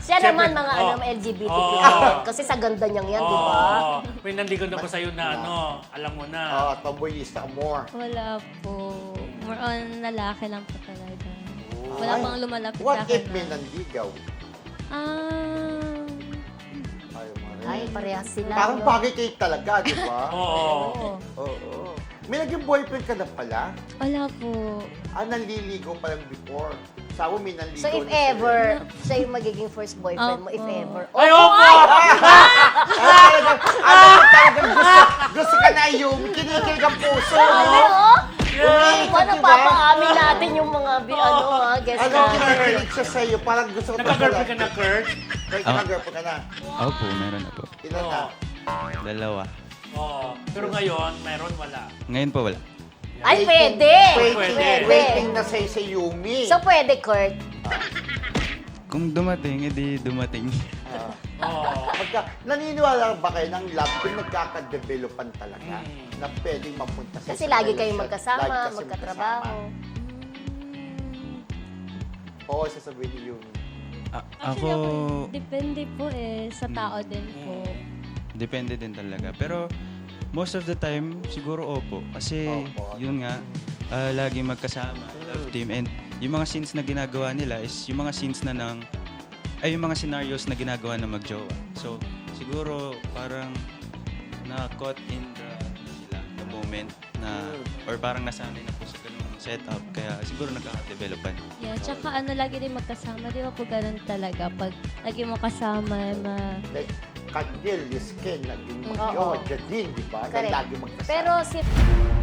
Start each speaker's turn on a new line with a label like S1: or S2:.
S1: Siya
S2: Siyempre,
S1: naman mga LGBTQ. Kasi sa ganda niyang yan, di ba?
S2: May nandigan na ba sa'yo na alam mo na?
S3: Tomboyista more.
S4: Wala po. More on lalaki lang po talaga. Wala
S3: Ay,
S4: pang lumalapit sa
S3: What
S4: akin.
S3: if may nandigaw? Ayaw mo rin.
S1: Ay, parehas sila.
S3: Parang
S1: no?
S3: bagay kayo talaga, di ba?
S2: Oo.
S3: Oo. May naging boyfriend ka na pala?
S4: Wala po.
S3: Naliligaw pa lang before. Sabi may naliligaw
S1: So if
S3: na sa'yo.
S1: ever, siya yung magiging first boyfriend mo, if
S4: Opo.
S1: ever.
S2: Ay,
S1: Oo,
S2: opo!
S3: Alam mo talagang gusto ka na yung kinikilig ang puso.
S1: Oo.
S3: Umiikot,
S1: Paano
S3: di ba?
S1: papaamin natin yung mga guest
S3: Ano,
S1: natin?
S3: kinikilig siya sa'yo. Parang gusto ko
S2: Nagka-girlfriend ka na, Kurt?
S3: Nagka-girlfriend ka na.
S5: Opo, meron na po.
S3: Ilan na?
S5: Dalawa.
S2: Oo. Pero ngayon, meron wala.
S5: Ngayon po wala.
S1: Ay, pwede!
S3: Waiting na sa'yo sa Yumi.
S1: So pwede, Kurt.
S5: Kung dumating, edi dumating.
S2: Oo.
S3: Naniniwala ba kayo ng love kung nagkaka-developan talaga na pwedeng mapunta sa
S1: Kasi
S3: isang
S1: lagi kayong
S3: relasyon?
S1: magkasama,
S3: Lagi kasi
S1: magkatrabaho.
S3: magkasama. Oo, sasabihin ni Yumi.
S5: Ako,
S4: Depende po sa tao din po.
S5: depende din talaga. Pero most of the time, siguro opo. Kasi
S3: Opo.
S5: yun nga, lagi magkasama, love team. And yung mga scenes na ginagawa nila is yung mga scenes na yung mga scenarios na ginagawa na magjowa. So, siguro parang na-caught in the moment na, or parang nasanay na po sa ganung setup. Kaya siguro nagkaka-developan.
S4: Yeah, tsaka lagi din magkasama. Di ba po ganun talaga? Pag lagi mo kasama,
S3: Like, Kandil, Lisken, naging
S1: Oo.
S3: magjowa, Jadine, di ba? Na
S1: Correct.
S3: lagi magkasama.
S1: Pero si